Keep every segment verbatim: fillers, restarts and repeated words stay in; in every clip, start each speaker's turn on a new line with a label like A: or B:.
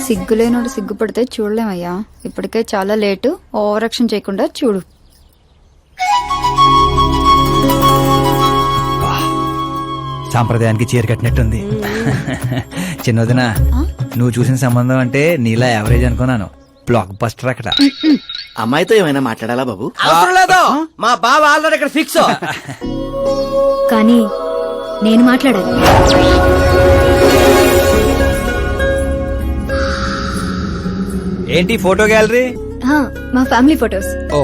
A: సిగ్గులేనోడు సిగ్గుపడితే చూడలేమయ్యా. ఇప్పటికే చాలా late. Over action చేయకుండా చూడు.
B: సాంప్రదాయానికి చీర కట్టినట్టుంది. చిన్నదిన నువ్వు చూసిన సంబంధం అంటే నీలా యావరేజ్ అనుకున్నాను. బ్లాక్ బస్టర్ అక్కడ.
C: అమ్మాయితో ఏమైనా మాట్లాడాలా బాబు?
D: అవసరం లేదు, మా బావ ఆల్రెడీ ఇక్కడ ఫిక్స్.
E: కానీ నేను మాట్లాడాలి.
B: ఏంటి ఫోటో గ్యాలరీ?
E: ఆ, మా ఫ్యామిలీ ఫొటోస్.
B: ఓ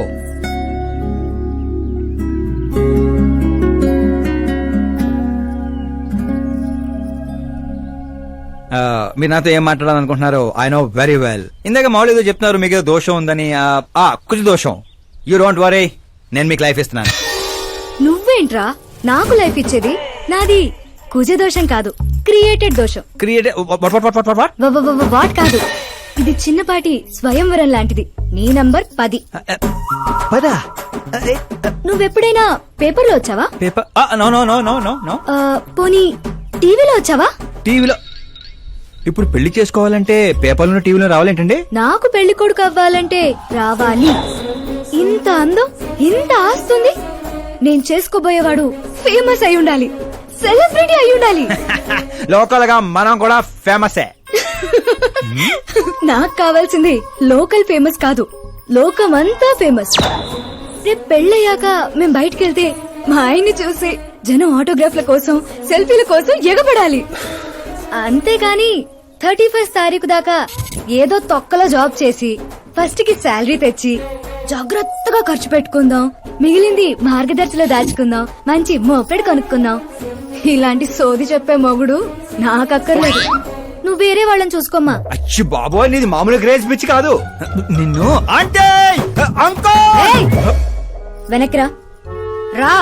B: మీరు నాతో ఏం మాట్లాడాలనుకుంటున్నారు? I know very well. ఇందాక మామూలు ఏదో చెప్తున్నారు, మీకు ఏదో దోషం ఉందని. కుజ దోషం. యూ డోంట్ వరీ, నేను మీకు లైఫ్ ఇస్తున్నాను.
E: నువ్వేంట్రా నాకు లైఫ్ ఇచ్చేది? నాది కుజ దోషం కాదు, క్రియేటెడ్ దోషం.
B: క్రియేట్
E: వాట్ కాదు, ఇది చిన్నపాటి స్వయంవరం లాంటిది. నీ నంబర్ పది.
B: పదా?
E: నువ్వెప్పుడైనా పేపర్లో వచ్చావా?
B: Paper? No no no no no no.
E: పోనీ టీవీలో వచ్చావా?
B: టీవీలో? ఇప్పుడు పెళ్లి చేసుకోవాలంటే పేపర్లో టీవీలో రావాలేంటండి?
E: నాకు పెళ్లి కొడుకు అవ్వాలంటే రావాలి. ఇంత అందం, ఇంత ఆస్తుంది. నేను చేసుకోబోయేవాడు ఫేమస్ అయి ఉండాలి, సెలబ్రిటీ అయి ఉండాలి.
B: లోకల్ గా మనం కూడా ఫేమసే.
E: నాకు కావాల్సింది లోకల్ ఫేమస్ కాదు, లోకమంతా ఫేమస్. రేపు పెళ్ళయ్యాక మేం బయటకెళ్తే మా ఆయన్ని చూసి జనం ఆటోగ్రాఫ్ల కోసం, సెల్ఫీల కోసం ఎగబడాలి. అంతేగాని థర్టీ ఫస్ట్ తారీఖు దాకా ఏదో తొక్కలో జాబ్ చేసి ఫస్ట్ కి శాలరీ తెచ్చి జాగ్రత్తగా ఖర్చు పెట్టుకుందాం, మిగిలింది మార్గదర్శిలో దాచుకుందాం, మంచి మోపెడు కొనుక్కుందాం. ఇలాంటి సోది చెప్పే మొగుడు నాకక్కర్లేదు. నువ్వు వేరే వాళ్ళని చూసుకోమ్మా.
B: అచ్చి బాబోయ్, నీది మామూలు గ్రేజ్ పిచ్చి కాదు. నిన్ను అంటే
E: వెనక్రా రా.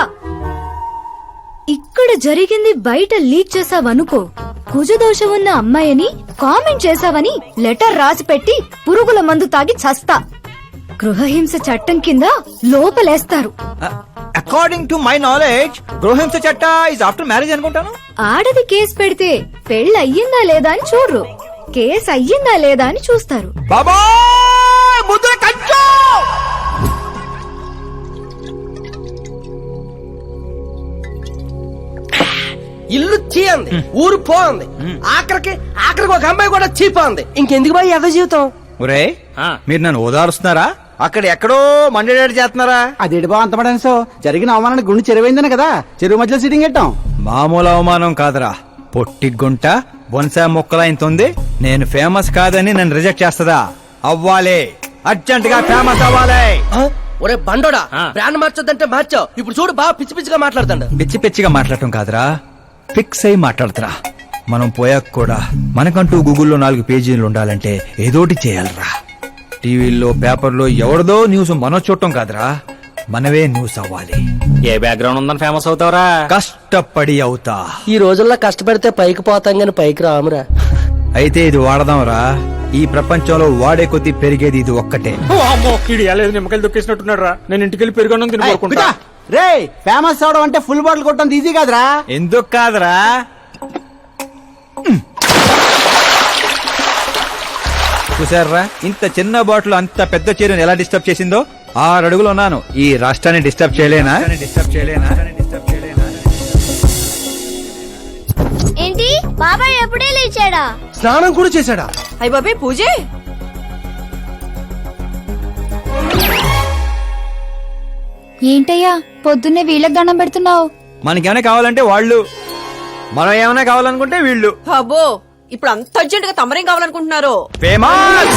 E: ఇక్కడ జరిగింది బయట లీక్ చేసావనుకో, కుజదోషం ఉన్న అమ్మాయిని కామెంట్ చేసావని లెటర్ రాసి పెట్టి పురుగుల మందు తాగి చస్తా. గృహహింస చట్టం కింద లోపలేస్తారు.
B: అకార్డింగ్ టు మై నాలెడ్జ్ గృహహింస చట్ట ఇస్ ఆఫ్టర్ మ్యారేజ్ అనుకుంటాను.
E: ఆడది కేసు పెడితే పెళ్లి అయ్యిందా లేదా అని చూడరు, కేసు అయ్యిందా లేదా అని చూస్తారు.
B: బాబా ముద్ర కంచు.
D: ఇల్లు చీయంది, ఊరు పోంది, ఆఖరికి ఆఖరికి ఒక అమ్మాయి కూడా చీపోంది. ఇంకెందుకు బాయ్ ఎద జీవితం?
B: ఒరే, మీరు నన్ను ఓదారుస్తున్నారా? అక్కడ ఎక్కడో మండేడాడు చేస్తున్నారా?
C: అదేంటి బా అంత పడేసో? జరిగిన అవమానానికి గుండె చెరువైందనే కదా చెరువు మధ్యలో సిట్టింగ్ పెట్టాం.
B: మామూలు అవమానం కాదురా, పొట్టి గుంట బొన్సా మొక్కలైంతుంది. నేను ఫేమస్ కాదని నన్ను రిజెక్ట్ చేస్తదా? అవ్వాలి, అర్జెంట్ గా ఫేమస్ అవ్వాలి.
D: ఒరే బండోడా, బ్రాండ్ మార్చొద్దంటే మార్చావు. ఇప్పుడు చూడు బాగా పిచ్చి పిచ్చిగా మాట్లాడుతాడు.
B: పిచ్చి పిచ్చిగా మాట్లాడటం కాదురా, ఫిక్స్ అయి మాట్లాడుతురా. మనం పోయాక కూడా మనకంటూ గూగుల్లో నాలుగు పేజీలు ఉండాలంటే ఏదోటి చేయాలరా. టీవీల్లో పేపర్లో ఎవరిదో న్యూస్ మనం చూడటం కాదురా, మనవే న్యూస్ అవ్వాలి.
F: ఏ బ్యాక్గ్రౌండ్ ఉందని ఫేమస్ అవుతావరా?
B: కష్టపడి అవుతా.
D: ఈ రోజుల్లో కష్టపడితే పైకి పోతాం గాని పైకి రామురా.
B: అయితే ఇది వాడదాంరా. ఈ ప్రపంచంలో వాడే కొద్దీ పెరిగేది ఇది ఒక్కటే.
F: నిమ్మకాయలు దొక్కేసినట్టున్నాడు రా. నేను ఇంటికి వెళ్ళి పెరుగొన్నం తిని కోరుకుంటా.
C: రే, ఫేమస్ అవడం అంటే ఫుల్ బాటిల్ కొట్టడం ఈజీ కాదురా.
B: ఎందుకు కాదురా? చూసారా, ఇంత చిన్న బాటిల్ అంత పెద్ద చీరను ఎలా డిస్టర్బ్ చేసిందో. ఆరు అడుగులు ఉన్నాను, ఈ రాష్ట్రాన్ని డిస్టర్బ్ చేయలేనా? డిస్టర్బ్ చేయలేనా? డిస్టర్బ్ చేయలేనా?
G: ఏంటి బాబాయ్ ఎప్పుడే లేచాడా?
D: స్నానం కూడా చేశాడా?
H: అయ్య బాబాయ్ పూజే.
A: ఏంటయ్యా పొద్దున్నే వీళ్ళకి దండం పెడుతున్నావు?
B: మనకేమైనా కావాలంటే వాళ్ళు, మనం ఏమైనా కావాలనుకుంటే వీళ్ళు.
H: అబ్బో, ఇప్పుడు అంత అర్జెంట్ గా తమరేం కావాలనుకుంటున్నారు?
B: ఫేమస్.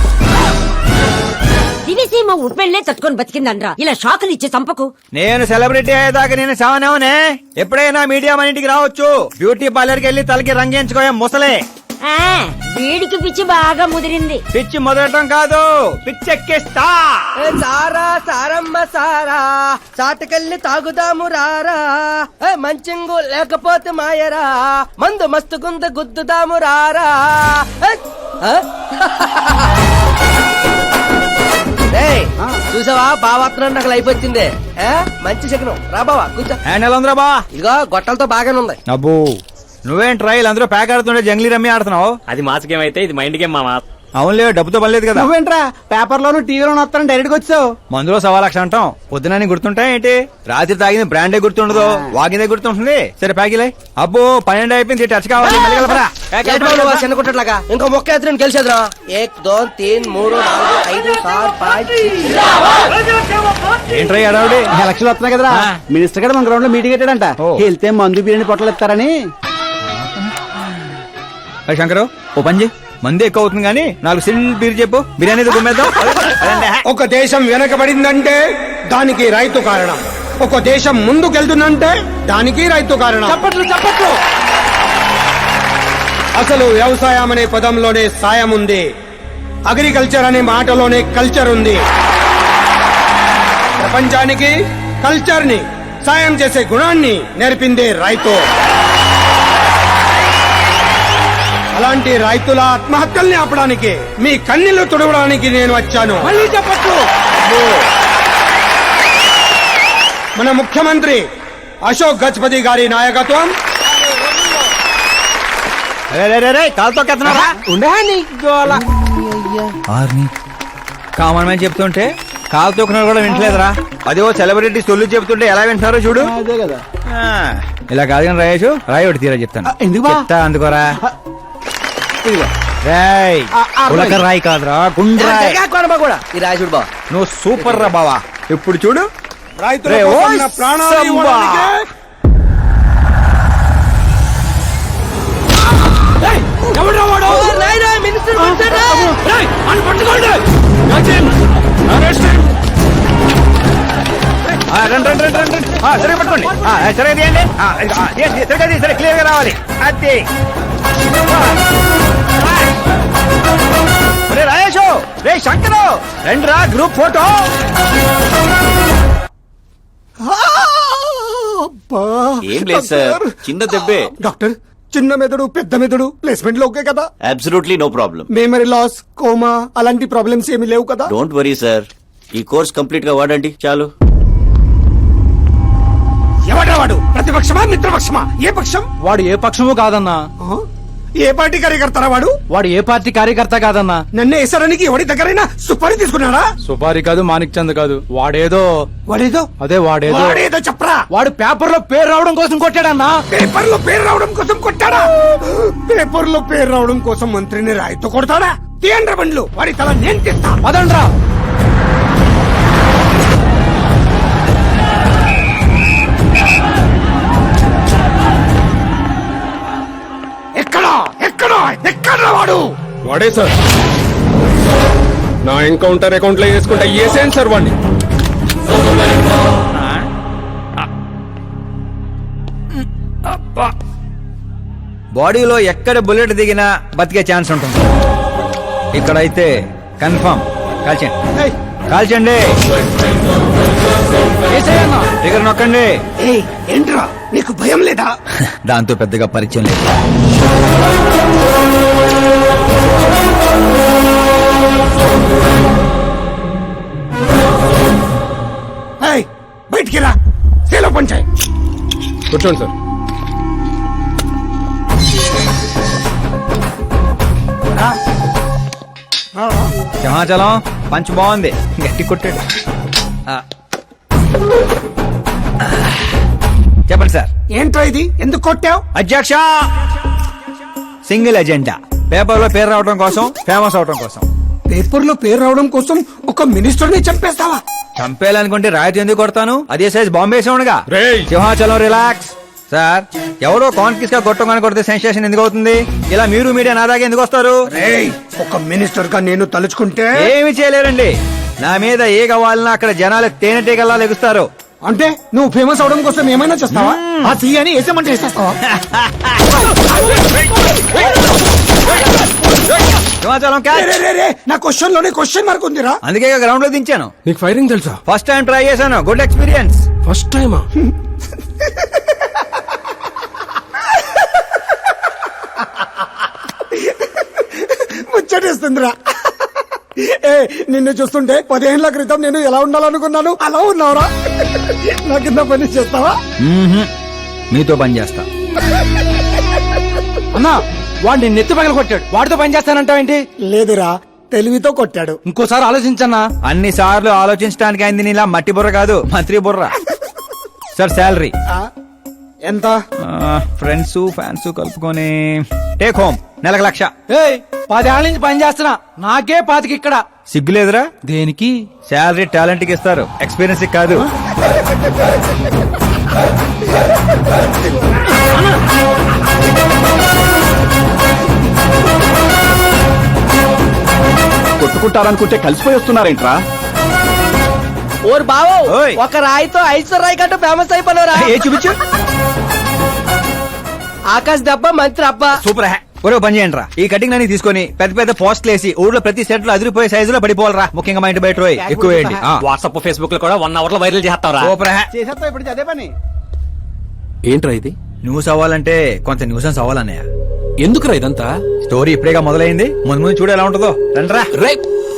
I: దివిసీమ ఉప్పెళ్లే తట్టుకొని బతికిందనరా, ఇలా షాకులు ఇచ్చే చంపకు.
B: నేను సెలబ్రిటీ అయ్యేదాకా నేను సావనేవనే. ఎప్పుడైనా మీడియా మన ఇంటికి రావచ్చు. బ్యూటీ పార్లర్ కి వెళ్ళి తలకి రంగేయించుకోయా ముసలే.
I: వీడికి పిచ్చి బాగా ముదిరింది.
B: పిచ్చి మొదలటం కాదు, పిచ్చెక్కిస్తా.
D: సారా సారమ్మ సారా, చాటకెళ్ళి తాగుదాము రారా. మంచింగు లేకపోతే మాయరా, మందు మస్తు గుంద గుద్దుదాము రారా. చూసావా బావాత్రం నాకు లైఫ్ వచ్చింది. మంచి శకనం రా బావా కూర్చో.
B: హ్యాండ్ ఎలా ఉందిరా బా?
D: ఇదిగో గొట్టలతో బాగానే ఉంది.
B: అబ్బో నువ్వేం ట్రైల్ అందరూ ప్యాక్ ఆడుతుండే జంగ్లీ రమ్మి ఆడుతున్నావు.
F: అది మాస్ గేమ్ అయితే ఇది మైండ్ గేమ్ మామా.
B: అవునులే, డబ్బుతో పని లేదు కదా.
C: నువ్వేంట్రా పేపర్ లోను టీవీలోను వస్తాను డైరెక్ట్ గా వచ్చావు.
B: మందులో సవా లక్ష అంటాం, పొద్దునని గుర్తుంటాయి ఏంటి? రాత్రి తాగింది బ్రాండే గుర్తుండదు, వాగిందే గుర్తుంటుంది. సరే ప్యాకిలే. అబ్బో పన్నెండు అయిపోయింది, టచ్ కావాలి. మళ్ళీ కలపరా.
D: ఏంటి బాబు నువ్వు చిన్న కుట్టట్లాగా ఇంకో మొక్క ఎత్తుని గెలిచేద్రా. ఏక్ దో తీన్ మూడు నాలుగు ఐదు ఆరు పాంచ్
B: ఏంట్రై అడావుడి?
C: ఎలక్షన్లు వస్తున్నాయి కదరా,
B: ఆ.
C: మినిస్టర్ గారు మన గ్రౌండ్ లో మీటింగ్ పెట్టాడంట.
B: ఓ.
C: వెళ్తే మందు బిర్యానీ పొట్టలు ఇస్తారని.
B: శంకరు ఓ పంజి, మంది ఎక్కువ అవుతుంది కానీ నాలుగు సిల్ బీర్ చెప్పు, బిర్యానీ గుమ్మేద్దాం.
J: ఒక దేశం వెనకబడిందంటే దానికి రైతు కారణం. ఒక దేశం ముందుకెళ్తుందంటే దానికి రైతు కారణం.
C: చప్పట్లు చప్పట్లు.
J: అసలు వ్యవసాయం అనే పదంలోనే సాయం ఉంది, అగ్రికల్చర్ అనే మాటలోనే కల్చర్ ఉంది. ప్రపంచానికి కల్చర్ ని, సాయం చేసే గుణాన్ని నేర్పిందే రైతు. అలాంటి రైతుల ఆత్మహత్యల్ని ఆపడానికి, మీ కన్నీళ్లు తుడవడానికి నేను వచ్చాను.
C: మళ్ళీ చెప్పట్లు.
J: మన ముఖ్యమంత్రి అశోక్ గజపతి గారి నాయకత్వం,
B: కాలుతో కెత్తనారా?
C: ఉండే నీ గోల.
B: ఆర్ని కామన్ మ్యాన్ చెప్తుంటే కాలు తొక్కున్నారు కూడా వింటలేదురా. అదే ఓ సెలబ్రిటీ సొల్లు చెప్తుంటే ఎలా వింటున్నారో చూడు.
C: అదే కదా.
B: ఆ, ఇలా కాదు కానీ రాయేషు, రాయి ఒకటి తీరా చెప్తాను.
C: ఆ, ఎందుకు బా?
B: చెప్తా అందుకోరా.
C: ఇదిగో.
B: రాయ్
C: ఆ, ఆ,
B: ఉలక రాయి కాదురా, గుండ్రాయ్.
D: కూడా ఈ రాజుడు బా
B: నువ్వు సూపర్ రా బావా. ఇప్పుడు చూడు
J: రైతుల
B: రే,
J: కోసం
B: ఓయ్
J: నా ప్రాణాలు
B: సంబా.
J: ఇవ్వడానికే
B: ఆ, రండి రండి రండి రండి. ఆ, సరిగ్గా పట్టుకోండి. ఆ, సరిగ్గా తీయండి. ఆ, ఆ, తీయండి, సరిగ్గా తీయండి, సరే క్లియర్ గా రావాలి. అది రే రాయేషు, రే శంకరు, రండి రా గ్రూప్ ఫోటో.
K: ఏం లేదు సార్, చిన్న దెబ్బే.
J: డాక్టర్, చిన్న మెదడు పెద్ద మెదడు ప్లేస్మెంట్ లో ఓకే కదా?
K: Absolutely no problem.
J: Memory loss, coma అలాంటి ప్రాబ్లమ్స్ ఏమీ లేవు కదా?
K: డోంట్ వరీ సార్, ఈ కోర్స్ కంప్లీట్ గా వాడండి చాలు.
J: ఎవడ్రా వాడు? ప్రతిపక్షమా మిత్రపక్షమా? ఏ పక్షం?
C: వాడు ఏ పక్షము కాదన్నా.
J: ఆ? ఏ పార్టీ కార్యకర్తారా వాడు?
C: వాడు ఏ పార్టీ కార్యకర్త కాదన్నా.
J: నన్ను వేసడానికి ఎవడి దగ్గరైనా సుపారీ తీసుకున్నాడా?
F: సుపారి కాదు, మాణిక్ చంద్ కాదు, వాడేదో
J: వాడేదో
F: అదే వాడేదో
J: వాడేదో చెప్పరా.
C: వాడు పేపర్ లో పేరు రావడం కోసం కొట్టాడన్నా.
J: పేపర్ లో పేరు రావడం కోసం కొట్టాడా? పేపర్ లో పేరు రావడం కోసం మంత్రిని రాయితో కొడతాడా? తీయండ్ర బండ్లు, వాడి తల నేను తీస్తా.
C: పదండ్రా.
J: ఎక్కడా ఎక్కడా ఎక్కడ్రా వాడు?
F: వాడే సార్. నా ఎన్కౌంటర్ అకౌంట్ లో వేసుకుంటా ఏసేం సార్ వాడిని.
B: బాడీలో ఎక్కడ బుల్లెట్ దిగినా బతికే ఛాన్స్ ఉంటుంది. ఇక్కడైతే కన్ఫర్మ్. కాల్చండి
J: ఏయ్,
B: కాల్చండి. దగ్గర నొక్కండి.
J: ఏయ్, ఏంట్రా నీకు భయం లేదా?
B: దాంతో పెద్దగా పరిచయం లేదు.
J: ఏయ్, బయటికి రా, సేలో పంచాయి.
F: కూర్చోండి సార్.
B: సింహాచలం పంచ్ బాగుంది, గట్టి కొట్టాడు. ఆ. చెప్పండి సార్.
J: ఏంట్రా ఇది? ఎందుకు కొట్టావు?
B: అధ్యక్ష, సింగిల్ ఎజెండా, పేపర్ లో పేరు రావడం కోసం, ఫేమస్ అవడం కోసం.
J: పేపర్ లో పేరు రావడం కోసం ఒక మినిస్టర్ ని చంపేస్తావా?
B: చంపేయాలనుకుంటే రాయితీ ఎందుకు కొడతాను? అదే సైజ్ బాంబే సౌండ్గా.
F: రేయ్.
B: సింహాచలం రిలాక్స్. సార్, ఎవరో కాన్ఫిస్ గా కొట్టగానే కొడితే సెన్సేషన్ ఎందుకు అవుతుంది? ఇలా మీరు మీడియా నా దాకా ఎందుకు వస్తారు?
J: రేయ్, ఒక మినిస్టర్ గా నేను తలుచుకుంటే
B: ఏమి చేయలేరండి. నా మీద ఏ కావాలన్నా అక్కడ జనాలు తేనెటీగల్లా లెగుస్తారు.
J: అంటే నువ్వు ఫేమస్ అవడం కోసం ఏమైనా చేస్తావా? ఆ సీఎని వేసేమంటే వేసేస్తావా?
B: సింహాచలం
J: రే,
B: క్యాచ్.
J: రే, రే, రే, నా క్వశ్చన్ లోనే క్వశ్చన్ మార్క్ ఉందిరా.
B: అందుకే గ్రౌండ్ లో దించాను.
F: నీకు ఫైరింగ్ తెలుసా?
B: ఫస్ట్ టైం ట్రై చేశాను, గుడ్ ఎక్స్పీరియన్స్.
F: ఫస్ట్ టైమా?
J: ముచ్చటేస్తుందిరా. ఏ, నిన్ను చూస్తుంటే పదిహేనుల క్రితం నేను ఎలా ఉండాలనుకున్నాను అలా ఉన్నావురా. నా కింద పని చేస్తావా?
B: మీతో పని చేస్తా.
C: అన్నా వాడు నిన్ను ఎత్తి పగల కొట్టాడు వాడితో పని చేస్తానంటావేంటి
J: లేదురా తెలివితో కొట్టాడు.
C: ఇంకోసారి ఆలోచించన్నా.
B: అన్ని సార్లు ఆలోచించడానికి అయింది నీలా మట్టి బుర్ర కాదు మంత్రి బుర్ర. సార్ శాలరీ
J: ఆ, ఎంత?
B: ఫ్రెండ్స్ ఫ్యాన్స్ కలుపుకొని టేక్ హోమ్ నెలకు లక్ష.
C: ఏయ్ పదేళ్ల నుంచి పని చేస్తున్నా నాకే పాతికి ఇక్కడ.
B: సిగ్గులేదురా?
C: దేనికి?
B: శాలరీ టాలెంట్ కి ఇస్తారు, ఎక్స్పీరియన్స్ కి కాదు.
C: కొట్టుకుంటారనుకుంటే కలిసిపోయి వస్తున్నారేంట్రా?
D: ఓరు బావో
B: ఓయ్.
D: ఒక రాయితో ఐశ్వర్ రాయ్ కంటూ ఫేమస్ అయిపోయినరా.
B: ఏ చూపించు.
D: ఆకాశ్ దెబ్బ మంత్రి అబ్బా.
B: సూపర్ హ్యా. ఒరే పని చేయండి రా, ఈ కటింగ్ అన్ని తీసుకొని పెద్ద పెద్ద పోస్టులు వేసి ఊర్లో ప్రతి సెట్ లో అదిరిపోయే సైజులో పడిపోవాలరా. ముఖ్యంగా మా ఇంటి బయట రోయ్ ఎక్కువ వేయండి.
F: వాట్సాప్ ఫేస్బుక్ లో కూడా వన్ అవర్ లో వైరల్ చేస్తారా?
B: సూపర్ హ్యా.
C: చేసేస్తా ఇప్పుడు అదే పని.
F: ఏంట్రా ఇది?
B: న్యూస్ అవ్వాలంటే కొంత న్యూసెన్స్ అవ్వాలన్నయ్య.
F: ఎందుకురా ఇదంతా?
B: స్టోరీ ఇప్పుడేగా మొదలైంది, ముందు ముందు చూడు ఎలా ఉంటుందో. రండ్రా.
F: రే